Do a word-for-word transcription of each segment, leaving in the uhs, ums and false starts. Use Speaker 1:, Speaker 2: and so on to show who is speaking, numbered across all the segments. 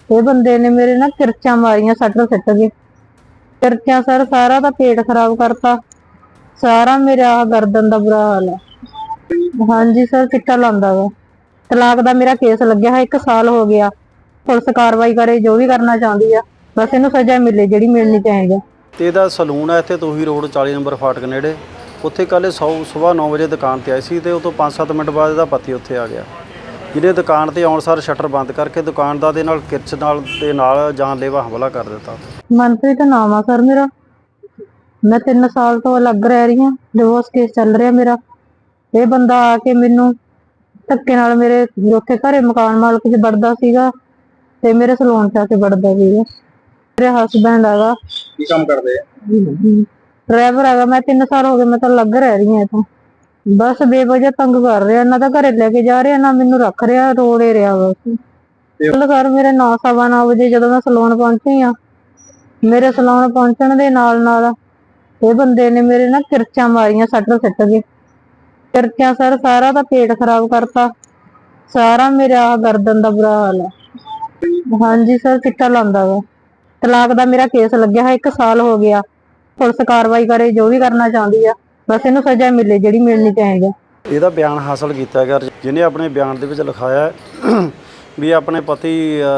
Speaker 1: ਇਹ ਬੰਦੇ ਨੇ ਮੇਰੇ ਨਾ ਕਿਰਚਾਂ ਮਾਰੀਆਂ, ਸੱਟ ਸਿੱਟ ਕੇ ਕਿਰਚਾਂ ਸਰ ਸਾਰਾ ਦਾ ਪੇਟ ਖਰਾਬ ਕਰਤਾ, ਸਾਰਾ ਮੇਰਾ ਆਹ ਗਰਦਨ ਦਾ ਬੁਰਾ ਹਾਲ ਹੈ। ਹਾਂਜੀ ਸਰ, ਚਿੱਟਾ ਲਾਉਂਦਾ ਵਾ। ਤਲਾਕ ਦਾ ਮੇਰਾ ਕੇਸ ਲੱਗਿਆ ਹੈ, ਇੱਕ ਸਾਲ ਹੋ ਗਿਆ। ਪੁਲਿਸ ਕਾਰਵਾਈ ਕਰੇ, ਜੋ ਵੀ ਕਰਨਾ ਚਾਹੁੰਦੀ ਆ, ਬਸ ਇਹਨੂੰ ਸਜ਼ਾ ਮਿਲੇ ਜਿਹੜੀ ਮਿਲਣੀ ਚਾਹੀਦੀ।
Speaker 2: ਤੇ ਇਹਦਾ ਸਲੂਨ ਹੈ ਇੱਥੇ ਤੋਹੀ ਰੋਡ ਚਾਲੀ ਨੰਬਰ ਫਾਟਕ ਨੇੜੇ। ਉੱਥੇ ਕੱਲ੍ਹ ਸੌ ਸੁਬਾਹ ਨੌ ਵਜੇ ਦੁਕਾਨ 'ਤੇ ਆਈ ਸੀ ਅਤੇ ਉਹ ਤੋਂ ਪੰਜ ਸੱਤ ਮਿੰਟ ਬਾਅਦ ਇਹਦਾ ਪਤੀ ਉੱਥੇ ਆ ਗਿਆ, ਜਿਹਨੇ ਦੁਕਾਨ 'ਤੇ ਆਉਣ ਸਾਰ ਸ਼ਟਰ ਬੰਦ ਕਰਕੇ ਦੁਕਾਨਦਾਰ ਦੇ ਨਾਲ ਕਿਰਚ ਨਾਲ ਦੇ ਨਾਲ ਜਾਨਲੇਵਾ ਹਮਲਾ ਕਰ ਦਿੱਤਾ।
Speaker 1: ਮਨਪ੍ਰੀਤ ਨਾਮ ਆ ਸਰ ਮੇਰਾ। ਮੈਂ ਤਿੰਨ ਸਾਲ ਤੋਂ ਅਲੱਗ ਰਹਿ ਰਹੀ ਹਾਂ, ਡਿਵੋਰਸ ਕੇਸ ਚੱਲ ਰਿਹਾ ਮੇਰਾ। ਇਹ ਬੰਦਾ ਆ ਕੇ ਮੈਨੂੰ ਧੱਕੇ ਨਾਲ ਮੇਰੇ ਉੱਥੇ ਘਰੇ ਮਕਾਨ ਮਾਲਕ 'ਚ ਵੜਦਾ ਸੀਗਾ ਤੇ ਮੇਰੇ ਸਲੂਨ 'ਚ ਆ ਕੇ ਵੜਦਾ ਸੀਗਾ। ਮੇਰੇ ਹਸਬੈਂਡ ਹੈਗਾ।
Speaker 3: ਕੀ ਕੰਮ ਕਰਦੇ ਆ?
Speaker 1: ਡਰਾਈਵਰ ਹੈਗਾ। ਮੈਂ ਤਿੰਨ ਸਾਲ ਹੋ ਗਏ ਮੈਂ ਤਾਂ ਅਲੱਗ ਰਹਿ ਰਹੀ ਹਾਂ ਇੱਥੋਂ। ਬਸ ਬੇਵਜ੍ਹਾ ਤੰਗ ਕਰ ਰਿਹਾ, ਨਾ ਤਾਂ ਘਰੇ ਲੈ ਕੇ ਜਾ ਰਿਹਾ, ਨਾ ਮੈਨੂੰ ਰੱਖ ਰਿਹਾ, ਰੋੜੇ ਰਿਹਾ ਬਸ। ਕੱਲ ਕਰ ਮੇਰੇ ਨੌ ਸਵਾ ਨੌ ਵਜੇ ਜਦੋਂ ਮੈਂ ਸਲੂਨ ਪਹੁੰਚੀ ਆ, ਮੇਰੇ ਸਲੂਨ ਪਹੁੰਚਣ ਦੇ ਨਾਲ ਨਾਲ ਇਹ ਬੰਦੇ ਨੇ ਮੇਰੇ ਨਾ ਕਿਰਚਾਂ ਮਾਰੀਆਂ, ਸੱਟ ਸਿੱਟ ਕੇ ਕਿਰਚਾਂ ਸਰ ਸਾਰਾ ਦਾ ਪੇਟ ਖਰਾਬ ਕਰਤਾ, ਸਾਰਾ ਮੇਰਾ ਆਹ ਗਰਦਨ ਦਾ ਬੁਰਾ ਹਾਲ ਹੈ। ਹਾਂਜੀ ਸਰ, ਚਿੱਟਾ ਲਾਉਂਦਾ ਵਾ। ਤਲਾਕ ਦਾ ਮੇਰਾ ਕੇਸ ਲੱਗਿਆ ਹੈ, ਇੱਕ ਸਾਲ ਹੋ ਗਿਆ। ਪੁਲਿਸ ਕਾਰਵਾਈ ਕਰੇ, ਜੋ ਵੀ ਕਰਨਾ ਚਾਹੁੰਦੀ ਆ, ਬਸ ਇਹਨੂੰ ਸਜ਼ਾ ਮਿਲੇ ਜਿਹੜੀ ਮਿਲਣੀ ਚਾਹੀਦੀ।
Speaker 2: ਇਹਦਾ ਬਿਆਨ ਹਾਸਲ ਕੀਤਾ ਗਿਆ, ਜਿਹਨੇ ਆਪਣੇ ਬਿਆਨ ਦੇ ਵਿੱਚ ਲਿਖਾਇਆ ਵੀ ਆਪਣੇ ਪਤੀ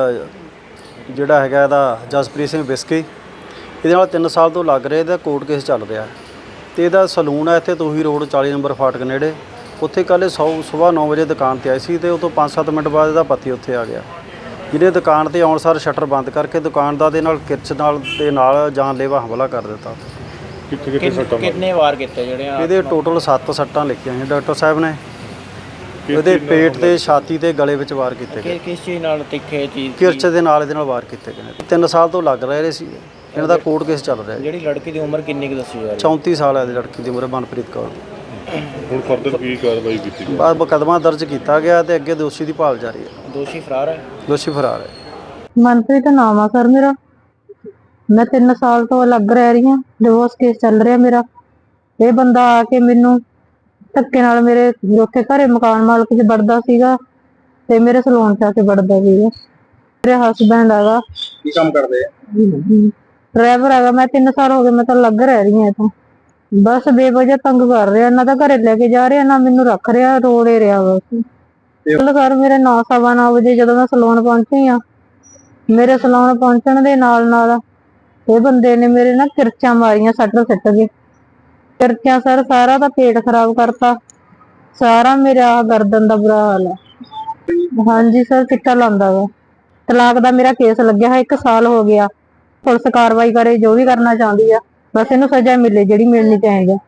Speaker 2: ਜਿਹੜਾ ਹੈਗਾ ਇਹਦਾ ਜਸਪ੍ਰੀਤ ਸਿੰਘ ਬਿਸਕੀ, ਇਹਦੇ ਨਾਲ ਤਿੰਨ ਸਾਲ ਤੋਂ ਲੱਗ ਰਿਹਾ, ਇਹਦਾ ਕੋਰਟ ਕੇਸ ਚੱਲ ਰਿਹਾ ਤੇ ਇਹਦਾ ਸਲੂਨ ਹੈ ਇੱਥੇ ਤੋਹੀ ਰੋਡ ਚਾਲੀ ਨੰਬਰ ਫਾਟਕ ਨੇੜੇ। ਉੱਥੇ ਕੱਲ੍ਹ ਸੌ ਸੁਬਾਹ ਨੌ ਵਜੇ ਦੁਕਾਨ 'ਤੇ ਆਈ ਸੀ ਅਤੇ ਉਹ ਤੋਂ ਪੰਜ ਸੱਤ ਮਿੰਟ ਬਾਅਦ ਇਹਦਾ ਪਤੀ ਉੱਥੇ ਆ ਗਿਆ, ਜਿਹਨੇ ਦੁਕਾਨ 'ਤੇ ਆਉਣ ਸਾਰ ਸ਼ਟਰ ਬੰਦ ਕਰਕੇ ਦੁਕਾਨਦਾਰ ਦੇ ਨਾਲ ਕਿਰਚ ਨਾਲ ਦੇ ਨਾਲ ਜਾਨਲੇਵਾ ਹਮਲਾ ਕਰ ਦਿੱਤਾ।
Speaker 3: ਕਿੱਥੇ ਕਿੱਥੇ ਸੱਟਾਂ?
Speaker 4: ਕਿੰਨੇ ਵਾਰ ਕੀਤੇ ਜਿਹੜੇ ਆ?
Speaker 2: ਇਹਦੇ ਟੋਟਲ ਸੱਤ ਸੱਟਾਂ ਲਿਖੀਆਂ ਨੇ ਡਾਕਟਰ ਸਾਹਿਬ ਨੇ। ਇਹਦੇ ਪੇਟ ਤੇ, ਛਾਤੀ ਤੇ, ਗਲੇ ਵਿੱਚ ਵਾਰ ਕੀਤੇ ਗਏ।
Speaker 4: ਕਿਸ ਚੀਜ਼ ਨਾਲ ਤਿੱਖੇ ਚੀਜ਼?
Speaker 2: ਕਿਰਚ ਦੇ ਨਾਲ ਇਹਦੇ ਨਾਲ ਵਾਰ ਕੀਤੇ ਗਏ ਨੇ। ਤਿੰਨ ਸਾਲ ਤੋਂ ਲੱਗ ਰਹੇ ਸੀ, ਇਹਨਾਂ ਦਾ ਕੋਰਟ ਕੇਸ ਚੱਲ ਰਿਹਾ।
Speaker 4: ਜਿਹੜੀ ਲੜਕੀ ਦੀ ਉਮਰ ਕਿੰਨੀ ਕੁ ਦੱਸੀ ਜਾ ਰਹੀ?
Speaker 2: ਚੌਂਤੀ ਸਾਲ ਹੈ ਇਹਦੀ ਲੜਕੀ ਦੀ ਉਮਰ, ਮਨਪ੍ਰੀਤ ਕੌਰ ਦੀ।
Speaker 3: ਹੁਣ ਫਰਦਰ ਕੀ ਕਾਰਵਾਈ ਕੀਤੀ ਗਈ?
Speaker 2: ਬਾਅਦ ਮੁਕੱਦਮਾ ਦਰਜ ਕੀਤਾ ਗਿਆ ਤੇ ਅੱਗੇ ਦੋਸ਼ੀ ਦੀ ਭਾਲ ਜਾਰੀ ਹੈ।
Speaker 4: ਦੋਸ਼ੀ ਫਰਾਰ ਹੈ?
Speaker 2: ਦੋਸ਼ੀ ਫਰਾਰ ਹੈ।
Speaker 1: ਮਨਪ੍ਰੀਤ ਨਾਮ ਆ ਸਰ ਮੇਰਾ। ਮੈਂ ਤਿੰਨ ਸਾਲ ਤੋਂ ਅਲੱਗ ਰਹਿ ਰਹੀ ਹਾਂ, ਡਿਵੋਰਸ ਕੇਸ ਚੱਲ ਰਿਹਾ ਮੇਰਾ। ਇਹ ਬੰਦਾ ਆ ਕੇ ਮੈਨੂੰ ਧੱਕੇ ਨਾਲ ਮੇਰੇ ਉੱਥੇ ਘਰੇ ਮਕਾਨ ਮਾਲਕ 'ਚ ਵੜਦਾ ਸੀਗਾ ਤੇ ਮੇਰੇ ਸਲੂਨ 'ਚ ਆ ਕੇ ਵੜਦਾ ਸੀਗਾ। ਮੇਰੇ ਹਸਬੈਂਡ ਹੈਗਾ।
Speaker 3: ਕੀ ਕੰਮ ਕਰਦੇ ਆ?
Speaker 1: ਡਰਾਈਵਰ ਹੈਗਾ। ਮੈਂ ਤਿੰਨ ਸਾਲ ਹੋ ਗਏ ਮੈਂ ਤਾਂ ਅਲੱਗ ਰਹਿ ਰਹੀ ਹਾਂ ਇੱਥੋਂ। ਬਸ ਬੇਵਜ੍ਹਾ ਤੰਗ ਕਰ ਰਿਹਾ, ਨਾ ਤਾਂ ਘਰੇ ਲੈ ਕੇ ਜਾ ਰਿਹਾ, ਨਾ ਮੈਨੂੰ ਰੱਖ ਰਿਹਾ, ਰੋੜੇ ਰਿਹਾ ਬਸ। ਕੱਲ ਕਰ ਮੇਰੇ ਨੌ ਸਵਾ ਨੌ ਵਜੇ ਜਦੋਂ ਮੈਂ ਸਲੂਨ ਪਹੁੰਚੀ ਆ, ਮੇਰੇ ਸਲੂਨ ਪਹੁੰਚਣ ਦੇ ਨਾਲ ਨਾਲ ਇਹ ਬੰਦੇ ਨੇ ਮੇਰੇ ਨਾ ਕਿਰਚਾਂ ਮਾਰੀਆਂ, ਸੱਟ ਸਿੱਟ ਕੇ ਕਿਰਚਾਂ ਸਰ ਸਾਰਾ ਦਾ ਪੇਟ ਖਰਾਬ ਕਰਤਾ, ਸਾਰਾ ਮੇਰਾ ਆਹ ਗਰਦਨ ਦਾ ਬੁਰਾ ਹਾਲ ਹੈ। ਹਾਂਜੀ ਸਰ, ਚਿੱਟਾ ਲਾਉਂਦਾ ਵਾ। ਤਲਾਕ ਦਾ ਮੇਰਾ ਕੇਸ ਲੱਗਿਆ ਹੈ, ਇੱਕ ਸਾਲ ਹੋ ਗਿਆ। ਪੁਲਿਸ ਕਾਰਵਾਈ ਕਰੇ, ਜੋ ਵੀ ਕਰਨਾ ਚਾਹੁੰਦੀ ਆ, ਬਸ ਇਹਨੂੰ ਸਜ਼ਾ ਮਿਲੇ ਜਿਹੜੀ ਮਿਲਣੀ ਚਾਹੀਦੀ।